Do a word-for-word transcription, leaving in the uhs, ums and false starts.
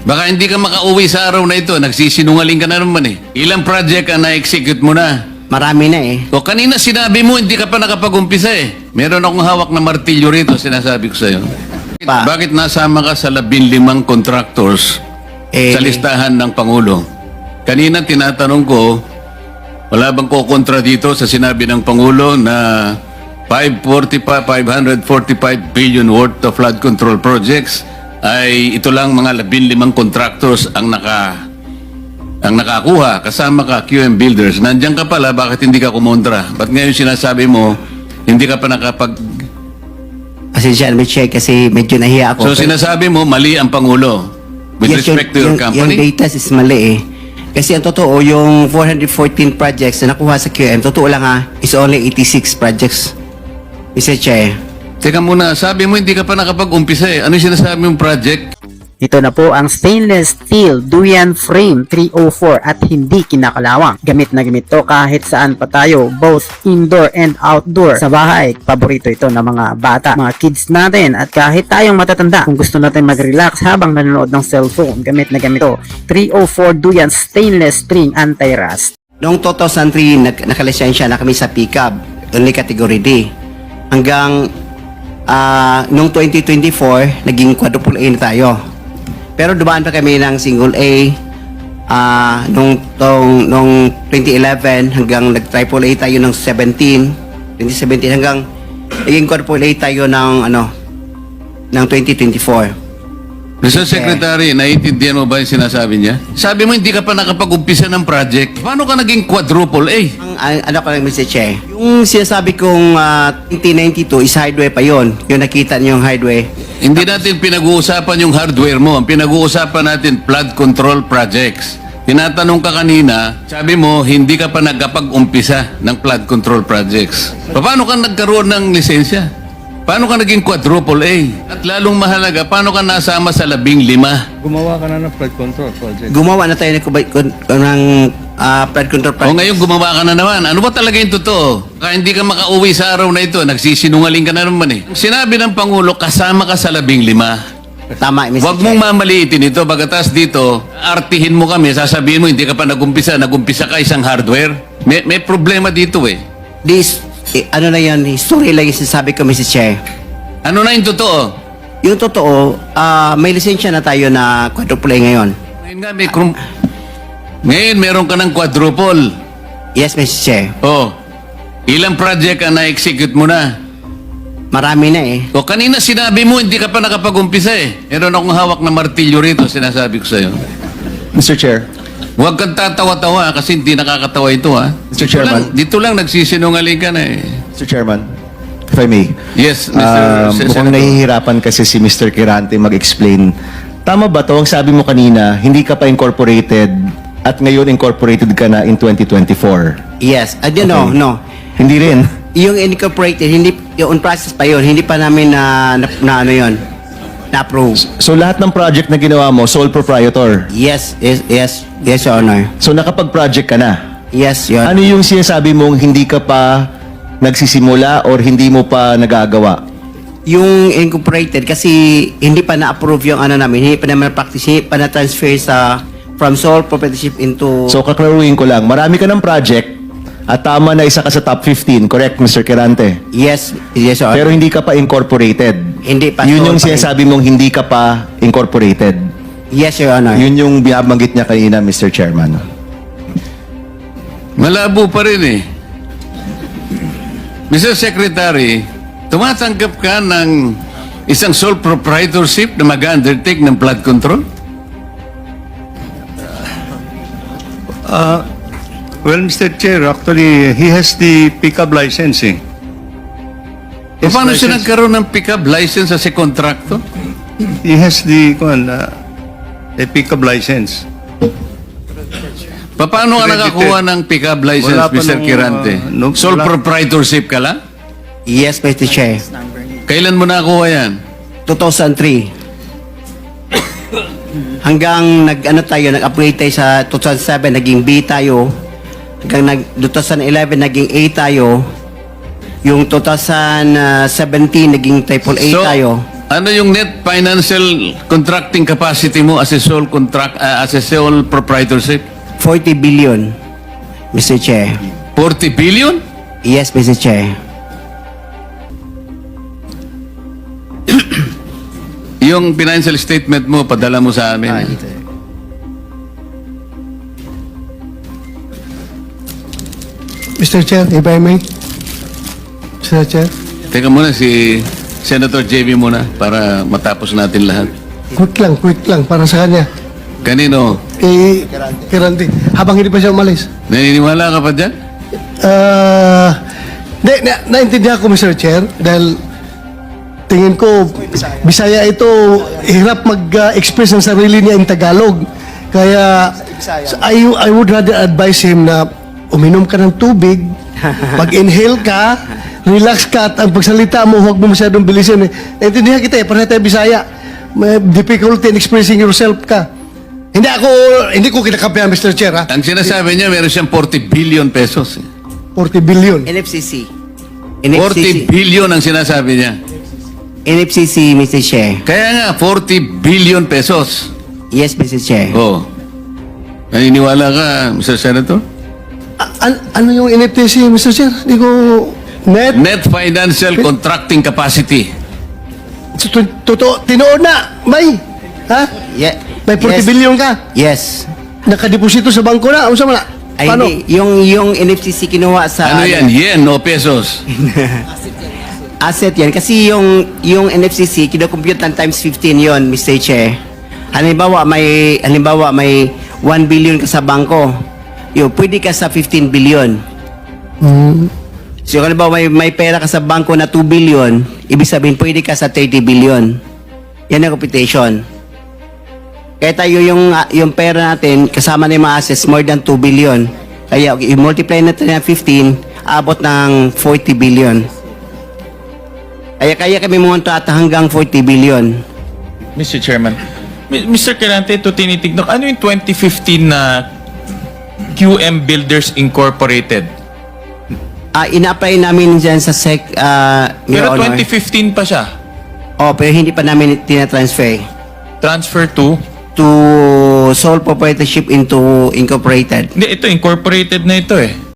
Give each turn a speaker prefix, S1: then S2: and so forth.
S1: Baka hindi ka makauwi sa araw na ito. Nagsisinungaling ka na naman eh. Ilang project ang na-execute mo na?
S2: Marami na eh.
S1: O kanina sinabi mo, hindi ka pa nakapag-umpisa eh. Meron akong hawak na martilyo rito, sinasabi ko sa'yo.
S2: Pa.
S1: Bakit nasama ka sa labing limang contractors
S2: Eh,
S1: sa listahan ng Pangulo? Kanina tinatanong ko, wala bang kukontra dito sa sinabi ng Pangulo na five hundred forty-five billion worth of flood control projects ay ito lang mga labing limang contractors ang naka ang nakakuha, kasama ka Q M Builders. Nandiyan ka pala, bakit hindi ka kumontra? Ba't ngayon sinasabi mo, hindi ka pa nakapag...
S2: Pasensya na, Mister Chair, kasi medyo nahiya ako.
S1: So sinasabi mo, mali ang Pangulo with
S2: Yes,
S1: respect to your
S2: yung,
S1: company?
S2: Yung data is mali eh. Kasi ang totoo, yung four hundred fourteen projects na nakuha sa Q M, totoo lang ha, is only eighty-six projects. Mister Chair.
S1: Teka muna, sabi mo hindi ka pa nakapag-umpisa eh. Ano yung sinasabi mong project?
S3: Ito na po ang stainless steel durian frame three oh four at hindi kinakalawang. Gamit na gamit to kahit saan pa tayo, both indoor and outdoor. Sa bahay, paborito ito ng mga bata, mga kids natin at kahit tayong matatanda. Kung gusto natin mag-relax habang nanonood ng cellphone, gamit na gamit to. three oh four durian stainless string anti-rust.
S2: Noong two thousand three, nag nakalisensya na kami sa pickup, only category D. Hanggang uh, noong twenty twenty-four, naging quadruple A na tayo. Pero dumaan pa kami ng single A uh, nung, tong, nung twenty eleven hanggang nag-triple A tayo ng seventeen, twenty seventeen hanggang naging quadruple A tayo ng ano ng twenty twenty-four.
S1: Mister Secretary, naiintindihan mo ba yung sinasabi niya? Sabi mo hindi ka pa nakapag-umpisa ng project. Paano ka naging quadruple A?
S2: Ang ang- ano ko lang, Mister Che, yung sinasabi kong uh, twenty ninety-two is highway pa yon. Yung nakita niyo yung highway.
S1: Hindi natin pinag-uusapan yung hardware mo. Ang pinag-uusapan natin, flood control projects. Tinatanong ka kanina, sabi mo, hindi ka pa nagkapag-umpisa ng flood control projects. Paano ka nagkaroon ng lisensya? Paano ka naging quadruple A? At lalong mahalaga, paano ka nasama sa labing lima?
S4: Gumawa ka na ng flood control project.
S2: Gumawa na tayo ng, kubay- kun- ng uh, flood control
S1: O
S2: project.
S1: ngayon gumawa ka na naman. Ano ba talaga yung totoo? Kaya hindi ka makauwi sa araw na ito. Nagsisinungaling ka na naman eh. Sinabi ng Pangulo, kasama ka sa labing lima.
S2: Tama, Mister
S1: Huwag
S2: Che.
S1: mong mamaliitin ito. Bagatas dito, artihin mo kami. Sasabihin mo, hindi ka pa nagumpisa. Nagumpisa ka isang hardware. May, may problema dito eh.
S2: This, eh, ano na yan, history lang yung sinasabi ko, Mister Che.
S1: Ano na yung totoo?
S2: Yung totoo, ah, may lisensya na tayo na quadruple A ngayon.
S1: Ngayon nga, may krum... Ngayon, meron ka ng quadruple.
S2: Yes, Mister Che.
S1: Oh, ilang project ang na-execute mo na?
S2: Marami na eh.
S1: O kanina sinabi mo, hindi ka pa nakapag-umpisa eh. Meron akong hawak na martilyo rito, sinasabi ko sa'yo.
S4: Mister Chair.
S1: Huwag kang tatawa-tawa kasi hindi nakakatawa ito ha.
S4: Mister
S1: Dito lang,
S4: Chairman.
S1: dito lang nagsisinungaling ka na eh.
S4: Mister Chairman, if I may.
S1: Yes, Mister
S4: Ah,
S1: Se-
S4: mukhang
S1: Senator.
S4: nahihirapan kasi si Mister Kirante mag-explain. Tama ba to? Ang sabi mo kanina, hindi ka pa incorporated at ngayon incorporated ka na in twenty twenty-four.
S2: Yes. I don't know,
S4: Okay.
S2: no.
S4: Hindi rin.
S2: Yung incorporated, hindi, yung on process pa yun, hindi pa namin na, na, na ano yun, na-approve.
S4: So lahat ng project na ginawa mo, sole proprietor.
S2: Yes, yes, yes, yes, Your Honor.
S4: So nakapag-project ka na.
S2: Yes, Your
S4: Ano yung sinasabi mong hindi ka pa nagsisimula or hindi mo pa nagagawa?
S2: Yung incorporated, kasi hindi pa na-approve yung ano namin, hindi pa naman practice, hindi pa na-transfer sa, from sole proprietorship into,
S4: So kaklaruhin ko lang, marami ka ng project at tama na isa ka sa top fifteen, correct, Mister Kirante?
S2: yes, yes, Your Honor.
S4: Pero hindi ka pa incorporated.
S2: Hindi pa.
S4: Yun
S2: sole
S4: yung
S2: pa rin.
S4: sinasabi mong hindi ka pa incorporated.
S2: Yes, Your Honor.
S4: Yun yung binabanggit niya kanina, Mister Chairman.
S1: Malabo pa rin eh. Mister Secretary, tumatanggap ka ng isang sole proprietorship na mag-undertake ng flood control?
S5: Uh, well, Mister Chair, actually, he has the pickup licensing.
S1: E paano siya nagkaroon ng pick-up license sa si kontrakto?
S5: He has the kuwan, uh, a pickup license.
S1: Pa- Paano ka
S5: Credited.
S1: nakakuha ng pick-up license,
S5: Wala pa
S1: Mister
S5: nung,
S1: Kirante?
S5: uh, nung-
S1: Sole
S5: wala-
S1: proprietorship ka lang?
S2: Yes, Mister Chair.
S1: Kailan mo nakakuha yan?
S2: two thousand three. Hanggang nag-ano tayo, nag-upgrade tayo sa two thousand seven, naging B tayo. Hanggang nag, two thousand eleven, naging A tayo. Yung two thousand seventeen, naging triple A
S1: So,
S2: tayo.
S1: Ano yung net financial contracting capacity mo as a sole contract ah, as a sole proprietorship?
S2: forty billion, Mister Chair.
S1: forty billion?
S2: Yes, Mister Chair.
S1: Yung financial statement mo, padala mo sa amin.
S2: Ah, dito.
S6: Mister Chair, if I may. Mister Chair,
S1: Teka muna, si Senator J B muna para matapos natin lahat.
S6: quick lang, quick lang para sa kanya.
S1: Kanino?
S6: Kay Kirante. Habang hindi pa siya umalis.
S1: Naniniwala ka pa dyan?
S6: Ah, na, na, naintindihan ko, Mister Chair, dahil tingin ko, Bisaya ito, hirap mag-express ng sarili niya in Tagalog. Kaya, I, I would rather advise him na uminom ka ng tubig, mag-inhale ka, relax ka, at ang pagsalita mo, huwag mo masyadong bilisin. Eh. Naintindihan kita eh, parang tayo Bisaya. May difficulty in expressing yourself ka. Hindi ako, hindi ko kinakampihan, Mister Chair, ha?
S1: Ang sinasabi niya, meron siyang forty billion pesos. eh.
S6: forty billion.
S2: N F C C.
S1: forty billion ang sinasabi niya.
S2: N F C C, Mister Chair.
S1: Kaya nga, forty billion pesos.
S2: Yes, Mister Chair.
S1: Oh. Naniniwala ka, Mister Senator?
S6: A- an- ano yung N F T C, Mister Chair? Hindi ko... Net?
S1: Net financial contracting capacity.
S6: Tut- Totoo, tinoon na, may. Ha?
S2: Yeah.
S6: May forty
S2: yes.
S6: billion ka.
S2: Yes.
S6: Nakadeposito sa bangko na. Ano sa mga?
S2: Ay,
S6: Paano?
S2: hindi. Yung, yung N F C C kinuha sa...
S1: Ano yan? Yen o pesos?
S2: Asset yan. Kasi yung, yung N F C C, kinocompute ng times fifteen yon, Mister Chair. Halimbawa, may, halimbawa, may one billion ka sa bangko. Yo, pwede ka sa fifteen billion.
S6: Hmm.
S2: So, halimbawa, may, may pera ka sa bangko na two billion, ibig sabihin, pwede ka sa thirty billion. Yan ang computation. Kaya tayo yung, ah, yung pera natin, kasama na yung mga assets, more than two billion. Kaya, okay, i-multiply natin ng fifteen, abot ng forty billion. Kaya kaya kami pumunta at hanggang forty billion.
S7: Mister Chairman, Mi- Mister Kirante, ito tinitignan. Ano yung twenty fifteen na Q M Builders Incorporated?
S2: Ah, ina-apply namin dyan sa SEC, ah, Your
S7: Pero
S2: Honor.
S7: twenty fifteen pa siya.
S2: Oh, pero hindi pa namin tina-transfer
S7: Transfer to?
S2: to sole proprietorship into incorporated.
S7: Hindi, ito, incorporated na ito eh.